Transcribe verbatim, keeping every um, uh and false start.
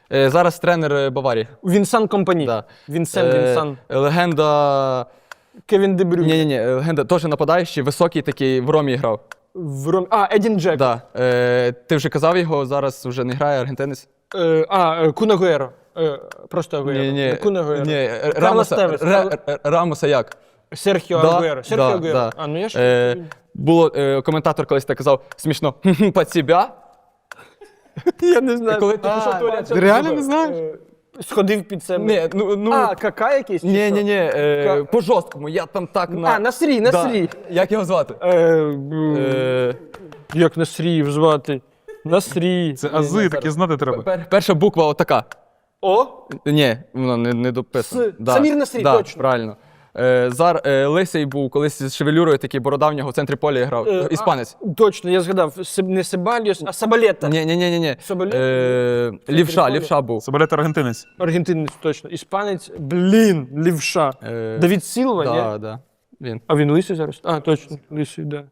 Е, зараз тренер е, Баварії. Вінсан Компані. Да. Вінсен, Е, Вінсан. Легенда... Кевін Де Брюйне. Ні-ні-ні, легенда теж нападаючий, високий такий, в Ромі грав. В Ром... А, Едін Джек. Да. Е, ти вже казав його, зараз вже не грає, аргентинець? Е, а, е, Кун Агуеро. Е, просто Агуеро. Ні-ні. Кун Агуеро. Ні, е, Карлос Рамоса, Тевес. Ре- Ре- Рамоса як? Серхіо Да, Агуеро. Серхіо да, Агуеро. да. А, ну я ж... Е, було, е, коментатор колись так казав, смішно, під себе. Я не знаю. Коли ти А, пішов в туалет, це ти реально тебе, не знаєш? е, Сходив під себе. Ні, ну, ну, А, кака якийсь? чи ні, що? ні, ні, е, Ка- по жорсткому, я там так на... А, Насрій, Насрій. Да. Як його звати? Е, б- Е, Як Насріїв звати? Насрій. Це ази, такі знати треба. пер, перша буква отака. О? Ні, воно не, не дописано. С. Самір Насрій, да, точно. правильно. Е, Зар е, Лисий був колись з шевелюрою, такий борода в нього в центрі поля грав. Е, Іспанець. а, точно, я згадав. Себ- Не Себальос, а Сабалета. Ні, ні, ні, ні, ні. Соболєв? Е, лівша, поля. лівша був. Соболет аргентинець. Аргентинець, точно. Іспанець, блін, лівша. Е, Давід Сілва, да, ні? да. Він. А він лисий зараз? А, точно, лисий, да.